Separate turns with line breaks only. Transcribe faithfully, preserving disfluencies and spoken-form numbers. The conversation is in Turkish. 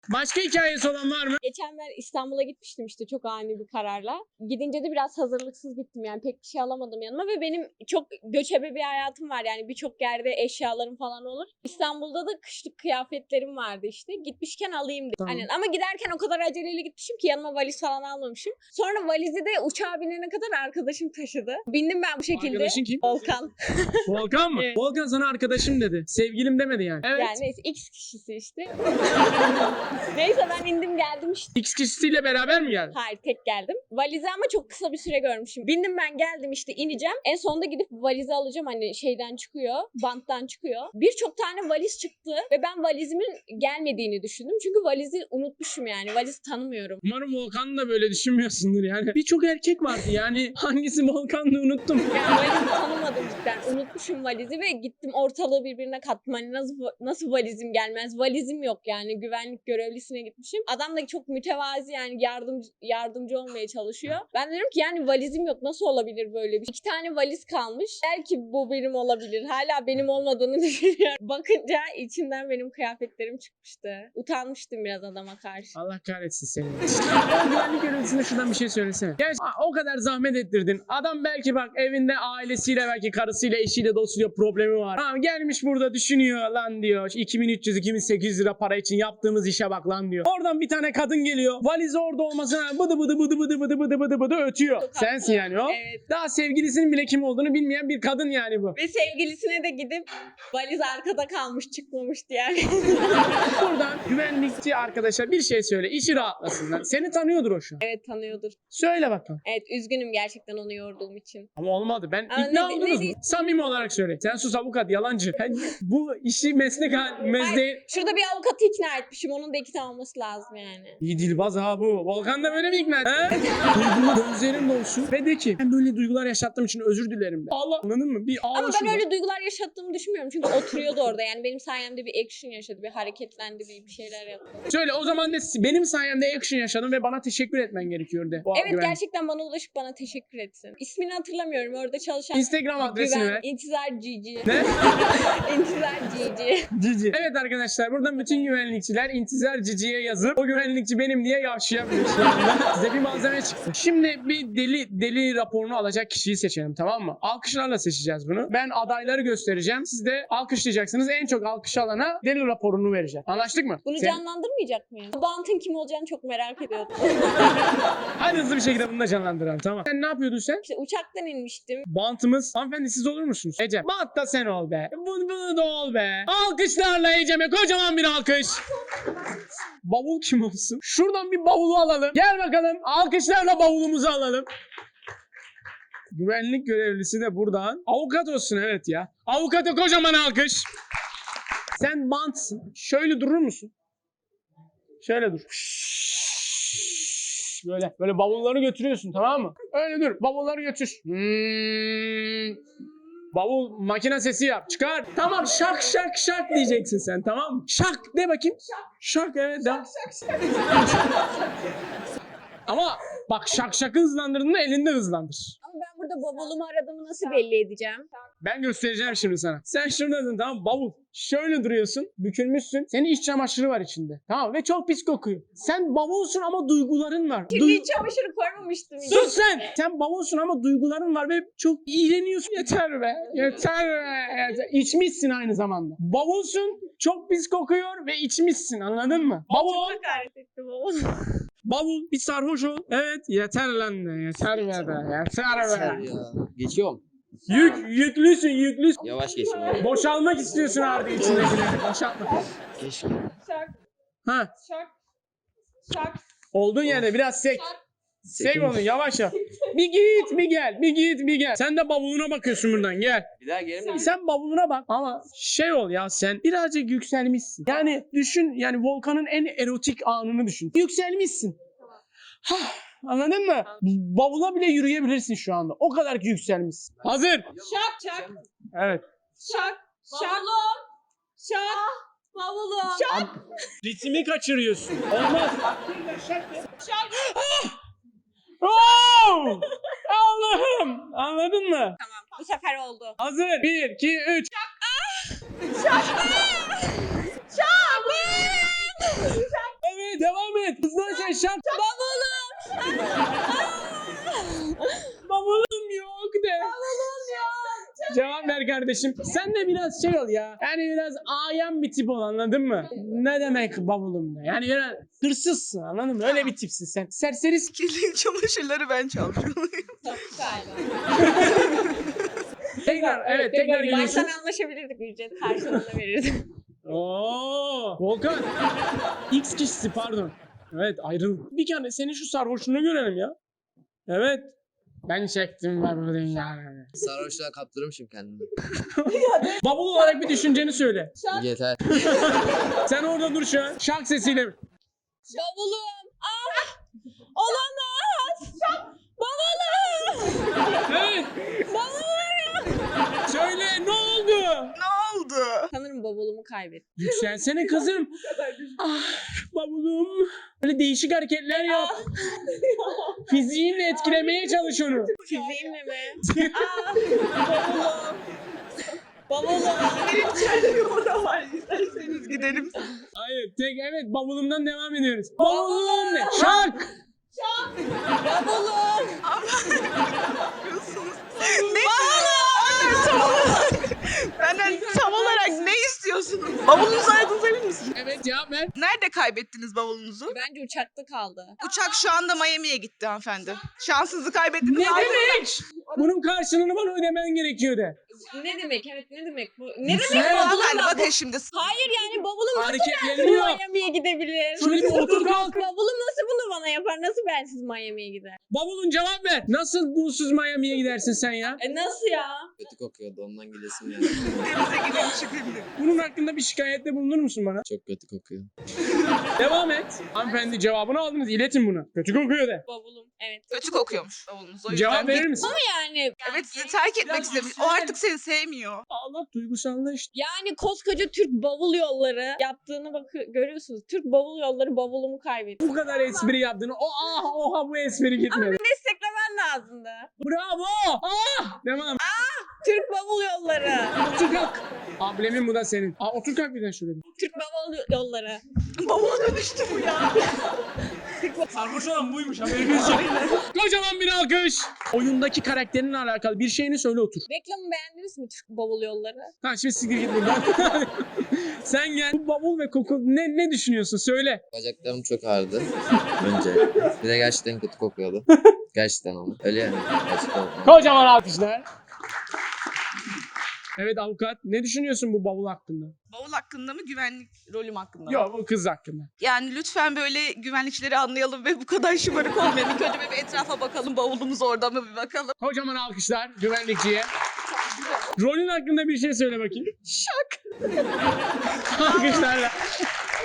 Başka hikayesi olan var mı?
Geçen ben İstanbul'a gitmiştim işte çok ani bir kararla. Gidince de biraz hazırlıksız gittim yani pek bir şey alamadım yanıma ve benim çok göçebe bir hayatım var yani birçok yerde eşyalarım falan olur. İstanbul'da da kışlık kıyafetlerim vardı işte. Gitmişken alayım dedim.
Tamam.
Aynen. Ama giderken o kadar aceleyle gitmişim ki yanıma valiz falan almamışım. Sonra valizi de uçağa binene kadar arkadaşım taşıdı. Bindim ben bu şekilde.
Arkadaşın kim?
Volkan.
Volkan mı?
Evet.
Volkan sana arkadaşım dedi. Sevgilim demedi yani. Evet.
Yani neyse X kişisi işte. Neyse ben indim geldim işte.
X kişisiyle beraber mi geldin?
Hayır tek geldim. Valizi ama çok kısa bir süre görmüşüm. Bindim ben geldim işte ineceğim. En sonunda gidip valizi alacağım hani şeyden çıkıyor. Banttan çıkıyor. Birçok tane valiz çıktı ve ben valizimin gelmediğini düşündüm. Çünkü valizi unutmuşum yani. Valizi tanımıyorum.
Umarım Volkan da böyle düşünmüyorsundur yani. Birçok erkek vardı yani. Hangisi Volkan'dı unuttum.
Yani valizi tanımadım cidden. Unutmuşum valizi ve gittim ortalığı birbirine kattım. Hani nasıl, nasıl valizim gelmez? Valizim yok yani. Güvenlik görevlisine gitmişim. Adam da çok mütevazi yani yardımcı, yardımcı olmaya çalışıyor. Ben diyorum ki yani valizim yok. Nasıl olabilir böyle bir şey? İki tane valiz kalmış. Belki bu benim olabilir. Hala benim olmadığını düşünüyorum. Bakınca içinden benim kıyafetlerim çıkmıştı. Utanmıştım biraz adama karşı.
Allah kahretsin seni. O güvenlik görevlisine şuradan bir şey söylesene. Gerçi o kadar zahmet ettirdin. Adam belki bak evinde ailesiyle belki karısıyla eşiyle dostuyla problemi var. Tamam gelmiş burada düşünüyor lan diyor. iki bin üç yüz iki bin sekiz yüz lira para için yaptığımız işe bak lan diyor. Oradan bir tane kadın geliyor. Valizi orada olmasına bıdı bıdı bıdı bıdı bıdı bıdı bıdı bıdı ötüyor.
Çok
Sensin
haklı.
yani o.
Evet.
Daha sevgilisinin bile kim olduğunu bilmeyen bir kadın yani bu.
Ve sevgilisine de gidip valiz arkada kalmış çıkmamıştı yani.
Buradan güvenlikçi arkadaşa bir şey söyle. İşi rahatlasınlar. Seni tanıyordur o şu an.
Evet tanıyordur.
Söyle bakalım.
Evet üzgünüm gerçekten onu yorduğum için.
Ama olmadı. Ben
Aa,
ikna
ne-
oldunuz
ne
mu?
diyor-
Samimi olarak söyle. Sen sus avukat yalancı. Yani bu işi meslek mesleği...
Şurada bir avukatı ikna etmişim. Onun da ikna olması lazım yani.
İyi dilbaz ha bu. Volkan da böyle mi ikna? He? Duygular gözlerim dolsun. Ve de ki ben böyle duygular yaşattığım için özür dilerim de. Allah anladın mı? Bir ağla
Ama ben
şurada.
öyle duygular yaşattığımı düşünmüyorum. Çünkü oturuyordu orada. Yani benim sayemde bir action yaşadı. Bir hareketlendi. Bir, bir şeyler yaptı.
Söyle o zaman de benim sayemde action yaşadın ve bana teşekkür etmen gerekiyor de. Bu
Evet
güvenlik.
gerçekten bana ulaşıp bana teşekkür etsin. İsmini hatırlamıyorum. Orada çalışan
Instagram adresini
güven,
ver.
İntizar Cici.
Ne?
İntizar Cici.
Cici. Evet arkadaşlar buradan bütün güvenlikçiler intizar Cici'ye yazıp o güvenlikçi benim diye yavşayabilir şu anda. Size bir malzeme çıktı. Şimdi bir deli deli raporunu alacak kişiyi seçelim tamam mı? Alkışlarla seçeceğiz bunu. Ben adayları göstereceğim. Siz de alkışlayacaksınız. En çok alkış alana deli raporunu vereceğim. Anlaştık mı?
Bunu
Sen-
canlandırmayacak mıyız? Bu Bant'ın kim olacağını çok merak ediyordum.
Hadi hızlı bir şekilde bunu da canlandıralım tamam. Sen ne yapıyordun sen?
İşte uçaktan inmiştim.
Bantımız. Hanımefendi siz olur musunuz? Ece. Bant da sen ol be. Bunu, bunu da ol be. Alkışlarla Ecem'e kocaman bir alkış. Bavul kim olsun? Şuradan bir bavulu alalım. Gel bakalım. Alkışlarla bavulumuzu alalım. Güvenlik görevlisi de buradan. Avukat olsun evet ya. Avukata kocaman alkış. Sen bantsın. Şöyle durur musun? Şöyle dur. Böyle böyle bavulları götürüyorsun tamam mı? Öyle dur. Bavulları götür. Hmm. Bavul makine sesi yap. Çıkar. Tamam şak şak şak diyeceksin sen tamam mı? Şak de bakayım. Şak. Şak evet. Şak şak şak. Ama bak şak şakı hızlandırdığında elinde hızlandır.
Ama ben burada bavulumu aradığımı nasıl belli edeceğim?
Ben göstereceğim şimdi sana. Sen şuradasın tamam mı? Bavul. Şöyle duruyorsun. Bükülmüşsün. Senin iç çamaşırı var içinde. Tamam ve çok pis kokuyor. Sen bavulsun ama duyguların var.
Kirli
Duy-
çamaşırı koymamıştım. hiç.
Sus sen! Sen bavulsun ama duyguların var ve çok iğreniyorsun. Yeter be. Yeter be. Yeter. İçmişsin aynı zamanda. Bavulsun, çok pis kokuyor ve içmişsin anladın mı? Bavul.
Çok hakaret etti bavul.
Bavul bir sarhoş ol. Evet yeter lan de. Yeter be be. Yeter
Yeter
be.
ya. Geçiyorum.
Yük, yüklüsün yüklüsün.
Yavaş geçiyorum.
Boşalmak istiyorsun artık içindekileri. Boşaltma.
Keşke.
Şak
Ha.
şak şak.
Olduğun yerde biraz sek. Sek
Sekiz.
onu yavaş yavaş. Bir git bir gel. Bir git bir gel. Sen de bavuluna bakıyorsun buradan gel.
Bir daha gelir mi?
Sen bavuluna bak ama şey ol ya sen birazcık yükselmişsin. Yani düşün yani Volkan'ın en erotik anını düşün. Yükselmişsin. Hah, anladın mı? Bavula bile yürüyebilirsin şu anda. O kadar ki yükselmişsin. Hazır.
Şak şak
Evet.
şak şak. Şak. Bavulum. Şak.
Ritmi kaçırıyorsun. Olmaz.
Şak.
Oh! Allah'ım. Anladın mı?
Tamam bu sefer oldu.
Hazır. Bir, iki, üç. şak.
Bavulum.
Bavulum yok de.
Bavulum yok.
Cevap ver kardeşim. Sen de biraz şey ol ya. Yani biraz ayan bir tip ol, anladın mı? Ne demek bavulum de? Yani biraz hırsızsın, anladın mı? Öyle bir tipsin sen. Serserisin.
Kirli çamaşırları ben çalmışım.
Çok galiba.
Tekrar evet tekrar geliyorsun.
Baştan anlaşabilirdik, ücret karşılığında verirdim.
Oo, Volkan. X kişisi pardon. Evet ayrıl. Bir kere senin şu sarhoşluğunu görelim ya. Evet. Ben çektim ben bu dünyayı.
Sarhoşluğa kaptırmışım kendimi.
Bavul olarak bir düşünceni söyle.
Yeter.
Sen orada dur şu an. Şark sesiyle.
Bavulum. Ah! Olamaz. Bavulum.
Evet.
Bavulum.
Söyle ne oldu?
Ne oldu?
Sanırım bavulumu kaybettim.
Yükselsene kızım. Ah, bavulum. Böyle değişik hareketler yap. Fiziğinle etkilemeye çalış onu.
Fiziğimle mi? Ah! Bavulum. Bavulum.
Benim içeride bir oda var. İsterseniz gidelim.
Hayır tek evet bavulumdan devam ediyoruz. Bavulum ne? Şark.
Bavulum.
Yapıyorsunuz. Ne? Bavulum! Tam olarak. Benden tam olarak ne istiyorsunuz? Bavulunuzu aradınız emin misiniz?
Evet cevap ver.
Nerede kaybettiniz bavulunuzu?
Bence uçakta kaldı.
Uçak şu anda Miami'ye gitti hanımefendi. Şansınızı kaybettiniz.
Ne
Ayrılın.
demek? Bunun karşılığını bana ödemen gerekiyor de.
Ne demek? Evet, ne demek bu? Ne
Güzel.
demek bavulum?
Hanımefendi bakın şimdi.
Hayır yani bavulum nasıl
Hareketlerini yap.
Miami'ye gidebilir?
Şöyle bir otur kalk.
Bavulum nasıl bunu bana yapar? Nasıl bensiz Miami'ye gider?
Bavulun cevap ver. Nasıl bunsuz Miami'ye gidersin sen ya?
E nasıl ya?
Kötü kokuyordu ondan gidesim yani.
Denize gidelim şimdi.
Bunun hakkında bir şikayette bulunur musun bana?
Çok kötü kokuyor.
Devam et. Hanımefendi cevabını aldınız. İletin bunu. Kötü kokuyor de.
Bavulum. Evet.
Kötü kokuyormuş bavulunuz. O yüzden
Cevap verir
git-
misin?
Yani
Evet sizi terk etmek
Biraz
istemiş. O
yükselen.
artık seni sevmiyor.
Allah duygusallaştı.
yani koskoca Türk bavul yolları yaptığını bak görüyorsunuz. Türk bavul yolları bavulumu kaybetti.
Bu kadar espri yaptığını. O ah oha bu espri gitmedi.
Desteklemen lazımdı.
Bravo. Ah. Devam.
Türk bavul yolları.
Otur kalk. Ablemin bu da senin. Aa, otur kalk bir de şöyle.
Türk bavul yolları.
Bavula dönüştü bu ya.
Sarhoş olan buymuş haberiniz yok. Kocaman bir alkış. Oyundaki karakterinle alakalı bir şeyini söyle otur.
Reklamı beğendiniz mi Türk bavul yolları?
Ha şimdi siktir git buradan. Sen gel. Bu bavul ve koku ne ne düşünüyorsun? Söyle.
Bacaklarım çok ağrıdı. Önce. Bir de gerçekten kötü kokuyordu. Gerçekten ama. Öyle yani. Gerçekten.
Kocaman alkışlar. Evet avukat. Ne düşünüyorsun bu bavul hakkında?
Bavul hakkında mı güvenlik rolüm hakkında mı?
Yok bu kız hakkında.
Yani lütfen böyle güvenlikçileri anlayalım ve bu kadar şımarık olmayalım. İlk önce bir etrafa bakalım, bavulumuz orada mı bir bakalım.
Kocaman alkışlar güvenlikçiye. Rolün hakkında bir şey söyle bakayım.
Şak.
Alkışlarla.